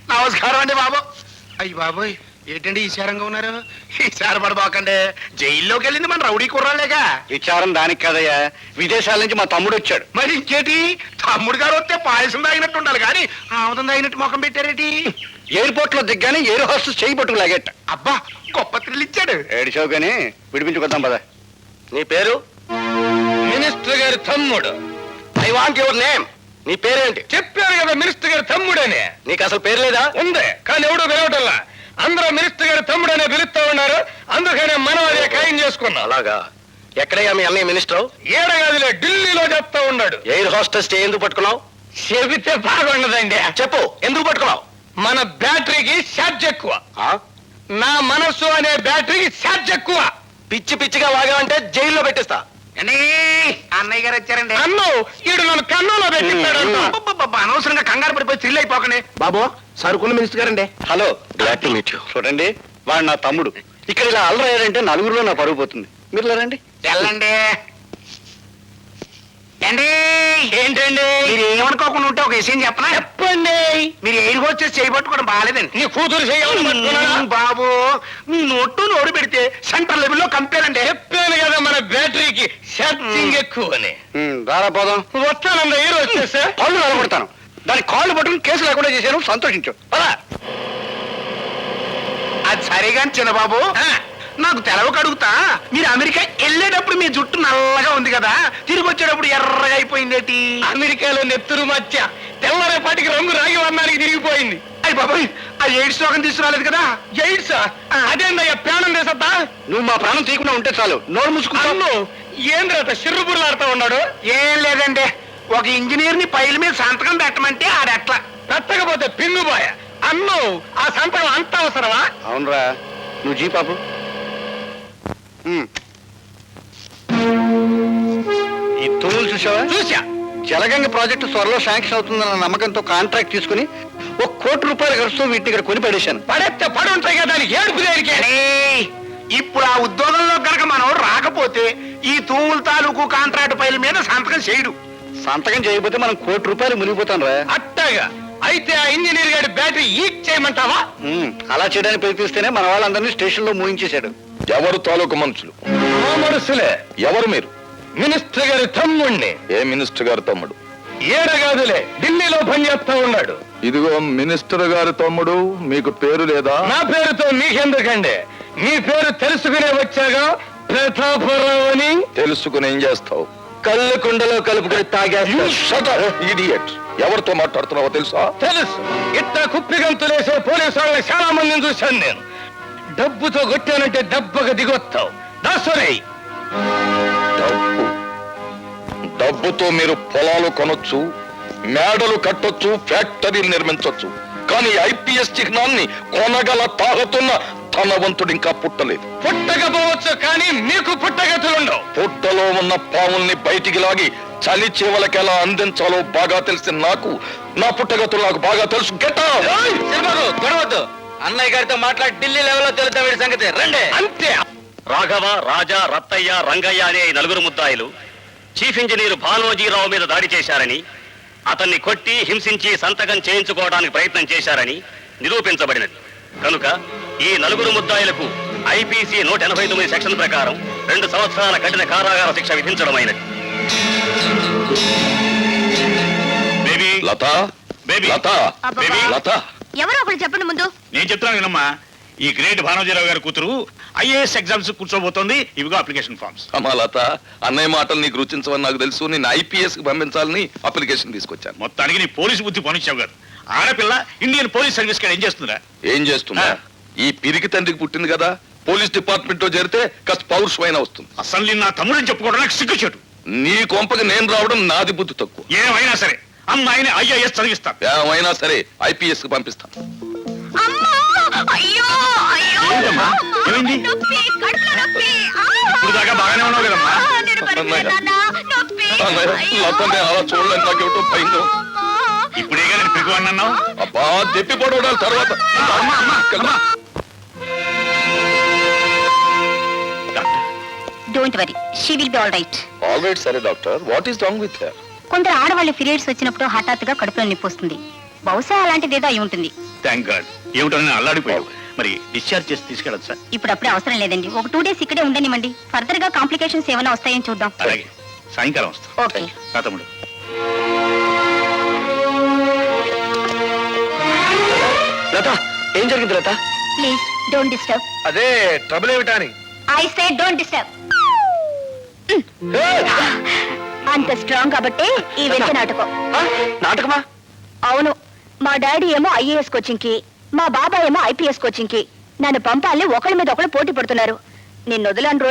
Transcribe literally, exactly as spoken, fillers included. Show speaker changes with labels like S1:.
S1: నమస్కారం అండి బాబు. అయ్యి బాబోయ్, ఏంటండి ఈశారంగా ఉన్నారు? ఈసారి పడబోకండి, జైల్లోకి వెళ్ళింది మన రౌడీ కుర్రాలేగా.
S2: విచారం దానికి కదయ్యా, విదేశాల నుంచి మా తమ్ముడు వచ్చాడు.
S1: మరి ఇంకేటి, తమ్ముడు గారు వస్తే పాయసం తాగినట్టు ఉండాలి కానీ ఆముదం తాగినట్టు ముఖం పెట్టారేటి?
S2: ఎయిర్పోర్ట్ లో దిగ్గానే ఎయిర్ హోస్టెస్ చేయి పట్టుకు లాగేట.
S1: అబ్బా, గొప్ప థ్రిల్ ఇచ్చాడు.
S2: ఏడిచావు కానీ విడిపించుకొద్దాం పద.
S3: నీ పేరు?
S4: మినిస్టర్ గారి తమ్ముడు.
S3: I want your name. నీ పేరేంటి?
S4: చెప్పారు కదా మినిస్టర్ గారి తమ్ముడని.
S3: నీకు అసలు పేరు లేదా?
S4: ఉంది, కానీ ఎవడు పిలవటల్లా. అందరూ మినిస్టర్ గారి తమ్ముడనే పిలుస్తా ఉన్నారు, అందుకనే మనం అదే ఖాయం చేసుకున్నాం.
S3: అలాగా? ఎక్కడయ్యా మీ అన్నయ్య మినిస్టర్?
S4: ఏడగాదిలే, ఢిల్లీలో చెప్తా ఉన్నాడు.
S3: ఎయిర్ హోస్టెస్ ఎందుకు పట్టుకున్నావు?
S4: చెబితే బాగుండదండి.
S3: చెప్పు, ఎందుకు పట్టుకున్నావు?
S4: మన బ్యాటరీకి ఛార్జ్ ఎక్కువ.
S3: ఆ?
S4: నా మనస్సు అనే బ్యాటరీకి ఛార్జ్ ఎక్కువ.
S3: పిచ్చి పిచ్చిగా వాగావంటే జైల్లో పెట్టిస్తా.
S1: అండి, అన్నయ్య గారు వచ్చారండి.
S4: అన్ను ఈడు నన్ను కన్నులో పెట్టిస్తాడు.
S1: అబ్బబ్బబ్బబ్బ, అనవసరంగా కంగారు పడిపోయి థ్రిల్ అయిపోకండి.
S3: బాబు, సరుకున్న మినిస్టర్ గారండి.
S2: Hello,
S3: glad to meet you.
S2: చూడండి, వాడు నా తమ్ముడు. ఇక్కడ ఇలా అల్లరయ్యారంటే నలుగురిలో నా పరుగు పోతుంది. మీరు లేరండి.
S1: వెళ్ళండి. ఏంటి
S4: ఏంటండి?
S1: మీరు ఏమనుకోకుండా ఉంటే ఒక విషయం చెప్పనా?
S4: చెప్పండి.
S1: మీరు ఎయిర్ హోస్టెస్ చేయబట్టుకోవడం బాగాలేదండి.
S4: నీ కూతురు చేయాలి
S1: బాబు, మీ నోట్టు నోరు పెడితే సెంటర్ లెవెల్లో కంపేర్ అండి.
S4: చెప్పాను కదా మన బ్యాటరీకి ఛార్జింగ్ ఎక్కువ అని.
S2: ఉమ్, రారా పోదాం.
S4: వస్తానండి, ఈ రోజు వచ్చేసా
S2: పళ్ళు నిలబడతాను. దాని కాళ్ళు పట్టుకుని కేసు లేకుండా చేశాను, సంతోషించు.
S1: పదా. అది సరిగా చిన్నబాబు, నాకు తెలవక అడుగుతా, మీరు అమెరికా వెళ్ళేటప్పుడు మీ జుట్టు నల్లగా ఉంది కదా, తిరిగి వచ్చేటప్పుడు ఎర్రగా అయిపోయిందేటి?
S4: అమెరికాలో నెత్తురు మధ్య తెల్లరేపాటికి రంగు రాగి వర్ణానికి తిరిగిపోయింది.
S1: అయ్యి బాబాయ్, ఆ ఎయిడ్స్ రోగం తీసుకురాలేదు కదా?
S4: ఎయిడ్స్ అదేందయ్యా, ప్రాణం చేసద్దా?
S2: నువ్వు మా ప్రాణం తీయకుండా ఉంటే చాలు. నోరు మూసుకుంటాను.
S4: అన్ను ఏంద్రత సిర్రుబుర్లాడుతూ ఉన్నాడు.
S1: ఏం లేదండి, ఒక ఇంజనీర్ ని పైల మీద సంతకం పెట్టమంటే ఆడెట్లా
S4: పెట్టకపోతే పిన్నుబాయ. అన్ను ఆ సంతకం అంత అవసరమా?
S2: అవునరా, నువ్వు జీ పాపు. ఈ తూములు చూసావా?
S4: చూసా.
S2: జలగంగ ప్రాజెక్టు త్వరలో శాంక్షన్ అవుతుందన్న నమ్మకంతో కాంట్రాక్ట్ తీసుకుని ఒక కోటి రూపాయలు ఖర్చుతో వీటిని ఇక్కడ కొని పడేశాను.
S4: పడెత్తే పడి ఉంటాయి కదా, దానికి ఏడుపు దేనికే?
S1: ఇప్పుడు ఆ ఉద్యోగంలో గనక మనం రాకపోతే ఈ తూముల తాలూకు కాంట్రాక్ట్ పైల మీద సంతకం చేయడు.
S2: సంతకం చేయకపోతే మనం కోటి రూపాయలు మునిగిపోతాం రా.
S4: అట్టగా అయితే ఆ ఇంజనీర్ గారి బ్యాటరీ ఈక్ చేయమంటావా?
S2: అలా చేయడానికి ప్రయత్నిస్తేనే మన వాళ్ళందరినీ స్టేషన్ లో మూయించేశాడు.
S5: ఎవరు తాలూకు మనుషులు?
S4: ఆ మనుషులే.
S5: ఎవరు మీరు?
S4: మినిస్టర్ గారి తమ్ముణ్ణి.
S5: ఏ మినిస్టర్ గారి తమ్ముడు?
S4: ఏడగాదులే, ఢిల్లీలో పనిచేస్తా ఉన్నాడు.
S5: ఇదిగో మినిస్టర్ గారి తమ్ముడు, మీకు పేరు లేదా?
S4: నా పేరుతో మీకెందుకండి, మీ పేరు తెలుసుకునే వచ్చాగా. ప్రతాపరావు అని.
S5: తెలుసుకుని ఏం చేస్తావు?
S4: కళ్ళు కుండలో కలుపుకొని తాగేస్తా.
S5: ఇడియట్. ఎవరితో మాట్లాడుతున్నావో తెలుసా?
S4: తెలుసు. ఇట్లా కుప్పిగంతులేసే పోలీసు వాళ్ళని చాలా మందిని చూశాను నేను. డబ్బుతో కొట్టానంటే దెబ్బగా దిగొస్తావు. దాసరే.
S5: డబ్బు డబ్బుతో మీరు పొలాలు కొనొచ్చు, మేడలు కట్టొచ్చు, ఫ్యాక్టరీలు నిర్మించొచ్చు. కానీ ఐపీఎస్ చిహ్నాన్ని కొనగల తాగుతున్న ధనవంతుడు ఇంకా పుట్టలేదు.
S4: పుట్టకపోవచ్చు, కానీ మీకు పుట్టగతులుండవు.
S5: పుట్టలో ఉన్న పాముల్ని బయటికి లాగి చలి చేవలకి ఎలా అందించాలో బాగా తెలిసిన నాకు నా పుట్టగతులు నాకు బాగా తెలుసు. గెట్
S3: గొడవద్దు. అన్నయ్య గారితో మాట్లాడి ఢిల్లీ లెవెల్లో తెలుతా వీడి సంగతి. రండి.
S4: అంతే.
S6: రాఘవ, రాజా, రత్తయ్య, రంగయ్య అనే ఈ నలుగురు ముద్దాయిలు చీఫ్ ఇంజనీర్ భానోజీరావు మీద దాడి చేశారని, అతన్ని కొట్టి హింసించి సంతకం చేయించుకోవడానికి ప్రయత్నం చేశారని నిరూపించబడినది. కనుక ఈ నలుగురు ముద్దాయిలకు ఐపీసీ నూట ఎనభై తొమ్మిది సెక్షన్ ప్రకారం రెండు సంవత్సరాల కఠిన కారాగార శిక్ష విధించడమైనది.
S5: Baby Latha,
S6: baby
S5: Latha,
S6: baby
S5: Latha.
S7: ఎవరో ఒకరు చెప్పండి ముందు.
S6: నేను చెప్తున్నాను వినమ్మా. ఈ గ్రేట్ భానోజీరావు గారి కూతురు ఐఏఎస్ ఎగ్జామ్స్ కూర్చోబోతోంది. ఇవిగో అప్లికేషన్ ఫార్మ్స్.
S5: అమ్మా లత, అన్నయ్య మాటలు నీకు రుచించవని నాకు తెలుసు. నేను ఐపీఎస్ కి పంపించాలని అప్లికేషన్ తీసుకొచ్చాను.
S6: మొత్తానికి నీ పోలీసు బుద్ధి పనిచ్చావు కాదు. ఆడపిల్ల ఇండియన్ పోలీస్ సర్వీస్ ఏం చేస్తుందా?
S5: ఏం చేస్తున్నా? ఈ పిరికి తండ్రికి పుట్టింది కదా, పోలీస్ డిపార్ట్మెంట్ లో చేరితే కాస్త పౌరుషమైన వస్తుంది.
S6: అసలు నా తమ్ముడిని చెప్పుకోవడానికి సిగ్గుచేటు.
S5: నీ కొంపకి నేను రావడం నాది బుద్ధి తక్కువ.
S6: ఏమైనా సరే అమ్మాయిని ఐఏఎస్ చదివిస్తాను.
S5: ఏమైనా సరే ఐపీఎస్ కి పంపిస్తాను.
S6: ఏమైంది? ఇప్పుడు దాకా బాగానే ఉన్నావు కదమ్మా.
S5: లతనే అలా చూడలేదు, నాకేమిటో భయంగా.
S6: ఇప్పుడేగా నేను పిగు అన్నావు.
S5: అబ్బా, దెప్పి పడవడాలి తర్వాత.
S7: Don't worry, she will be all right.
S5: All right. సరే doctor, what is wrong with her?
S7: కొందరు ఆడవాళ్ళ పీరియడ్స్ వచ్చినప్పుడు హఠాత్తుగా కడుపులో నొప్పి వస్తుంది. బహుశా అలాంటిదేదో అయి ఉంటుంది.
S6: Thank God. ఏమిటో నేను అల్లాడిపోయావు. మరి డిశ్చార్జ్ చేసి తీసుకెళ్ళొచ్చా?
S7: ఇప్పుడు అప్పుడే అవసరం లేదండి. ఒక టూ డేస్ ఇక్కడే ఉండనివ్వండి. ఫర్దర్ గా కాంప్లికేషన్స్ ఏమైనా వస్తాయని చూద్దాం.
S6: అలాగే, సాయంకాలం వస్తా.
S7: ఓకే.
S6: రా తమ్ముడు.
S2: లత ఏం జరిగింది లత?
S7: Please don't disturb.
S1: అదే ట్రబుల్ ఏమిటా అని.
S7: I say don't disturb. అంత స్ట్రాంగ్ కాబట్టి ఈ వెంట నాటకం.
S2: నాటకమా?
S7: అవును, మా డాడీ ఏమో ఐఏఎస్ కోచింగ్ కి, మా బాబాయ్ ఏమో ఐపీఎస్ కోచింగ్ కి నన్ను పంపాలని ఒకళ్ళ మీద ఒకళ్ళు పోటీ పడుతున్నారు. నిన్ను వదలని రోజు